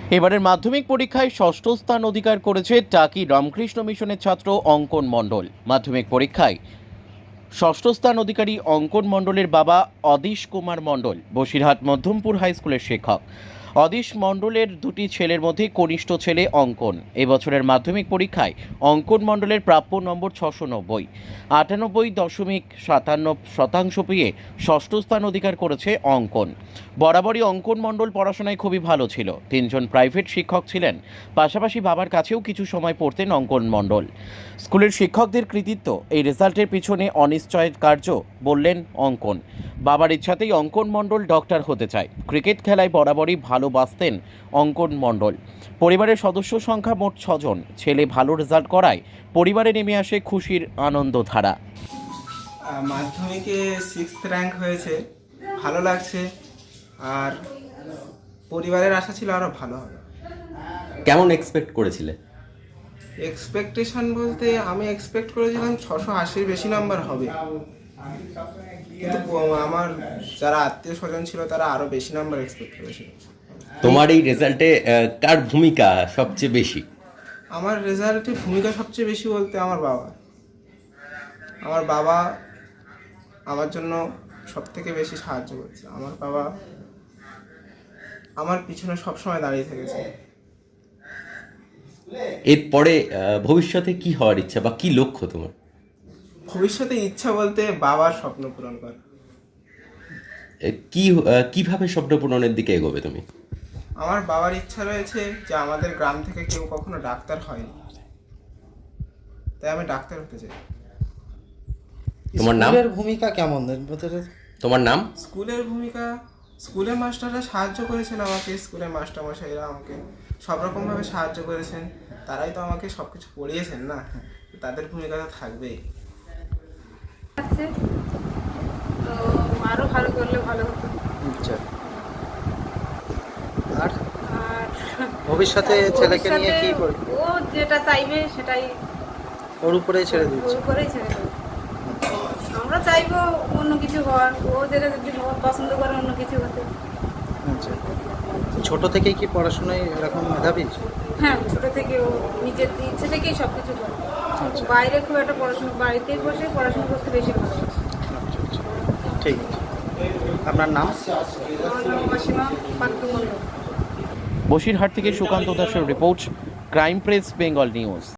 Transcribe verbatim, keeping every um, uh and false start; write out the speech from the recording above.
এবারের মাধ্যমিক পরীক্ষায় ষষ্ঠ স্থান অধিকার করেছে টাকি রামকৃষ্ণ মিশনের ছাত্র অঙ্কন মণ্ডল। মাধ্যমিক পরীক্ষায় ষষ্ঠ স্থান অধিকারী অঙ্কন মণ্ডলের বাবা অদিশ কুমার মণ্ডল বসিরহাট মধ্যমপুর হাই স্কুলের শিক্ষক। অদিশ মণ্ডলের দুটি ছেলের মধ্যে কনিষ্ঠ ছেলে অঙ্কন। এবছরের মাধ্যমিক পরীক্ষায় অঙ্কন মণ্ডলের প্রাপ্য নম্বর ছশো নব্বই, আটানব্বই দশমিক সাতান্ন শতাংশ পেয়ে ষষ্ঠ স্থান অধিকার করেছে অঙ্কন। বরাবরই অঙ্কন মণ্ডল পড়াশোনায় খুবই ভালো ছিল। তিনজন প্রাইভেট শিক্ষক ছিলেন, পাশাপাশি বাবার কাছেও কিছু সময় পড়তেন অঙ্কন মণ্ডল। স্কুলের শিক্ষকদের কৃতিত্ব এই রেজাল্টের পিছনে অনিশ্চয় কার্য বললেন অঙ্কন। বাবার ইচ্ছাতেই অঙ্কন মণ্ডল ডক্টর হতে চায়। ক্রিকেট খেলায় বরাবরই ভালোবাসতেন অঙ্কন মণ্ডল। পরিবারের সদস্য সংখ্যা মোট ছজন। ছেলে ভালো রেজাল্ট করায় পরিবারে নেমে আসে খুশির আনন্দধারা। মাধ্যমিকে সিক্সথ র্যাঙ্ক হয়েছে, ভালো লাগছে। আর পরিবারের আশা ছিল আরও ভালো হবে। কেমন এক্সপেক্ট করেছিলে? এক্সপেকটেশন বলতে আমি এক্সপেক্ট করেছিলাম ছশো আশির বেশি নাম্বার হবে, কিন্তু আমার যারা আত্মীয় স্বজন ছিল তারা আরও বেশি নাম্বার এক্সপেক্ট করেছিল। তোমার এই রেজাল্টে কার ভূমিকা সবচেয়ে বেশি? আমার রেজাল্টে ভূমিকা সবচেয়ে বেশি বলতে আমার বাবা। আমার বাবা আমার জন্য সব থেকে বেশি সাহায্য করেছে। আমার বাবা আমার পিছনে সবসময় দাঁড়িয়ে থেকেছে। এরপরে ভবিষ্যতে কি হওয়ার ইচ্ছা বা কি লক্ষ্য তোমার? ভবিষ্যতে ইচ্ছা বলতে বাবার স্বপ্ন পূরণ করা। কি কিভাবে স্বপ্ন পূরণের দিকে এগোবে তুমি? আমার বাবার ইচ্ছা রয়েছে যে আমাদের গ্রাম থেকে কেউ কখনো ডাক্তার হয়নি, তাই আমি ডাক্তার হতে চাই। তোমার নাম? স্কুলের ভূমিকা কেমন? তোমার নাম? স্কুলের ভূমিকা, স্কুলের মাস্টাররা সাহায্য করেছেন আমাকে। স্কুলের মাস্টারমশাইরা আমাকে সব রকমভাবে সাহায্য করেছেন। তারাই তো আমাকে সব কিছু পড়িয়েছেন না, তাদের ভূমিকা তো থাকবেই। তো আরো ভালো করলে ভালো হতো। আচ্ছা, আর আর ভবিষ্যতে ছেলেকে নিয়ে কি ভবিষ্যতে করবে? ও যেটা চাইবে সেটাই ওর উপরেই ছেড়ে দিচ্ছে। ওর উপরেই ছেড়ে দেবো। আমরা চাইবো অন্য কিছু হওয়ার, ও যেটা যদি পছন্দ করে অন্য কিছু হতে। আচ্ছা, ছোট থেকেই কি পড়াশোনায় এরকম মেধাবী? হ্যাঁ, ছোট থেকে ও নিজের ইচ্ছে থেকেই সব কিছু করে। আচ্ছা। বাইরে খুব একটা পড়াশোনা, বাড়িতেই বসে পড়াশোনা করতে বেশি ভালোবাসে। আচ্ছা আচ্ছা, ঠিক আছে। আপনার নাম? আমার নাম অসীমা পাত্র মণ্ডল। বসিরহাট থেকে সুকান্ত দাসের report, crime press Bengal news.